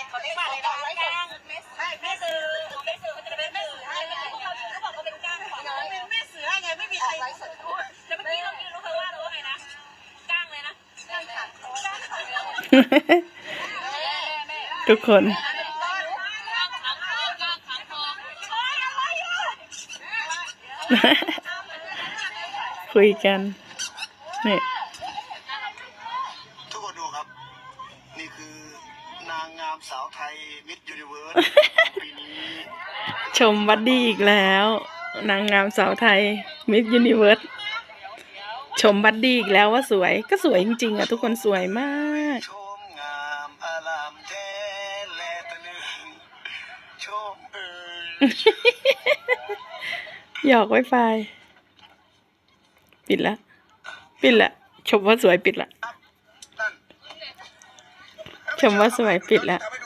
เขาเรียกว่าอะไรนะก้างแม่สื่อเขาจะเป็นแม่สื่อให้พวกเขาบอกเขาเป็นก้างของเราเป็นแม่สื่อไงไม่มีใครแล้วเมื่อกี้เรารู้เขาว่าไงนะก้างเลยนะก้างขาทุกคนคุยกันนี่ทุกคนดูครับนี่คือนางงามสาวไทยมิสยูนิเวิร์สปีนี้ชมบัดดี้อีกแล้วนางงามสาวไทยมิสยูนิเวิร์สชมบัดดี้อีกแล้วว่าสวยก็สวยจริงๆอ่ะทุกคนสวยมากชมงามอารามแท้แลตะลึงชมหยอกไวไฟปิดละชมว่าสวยปิดละชมว่าสวยปิดละ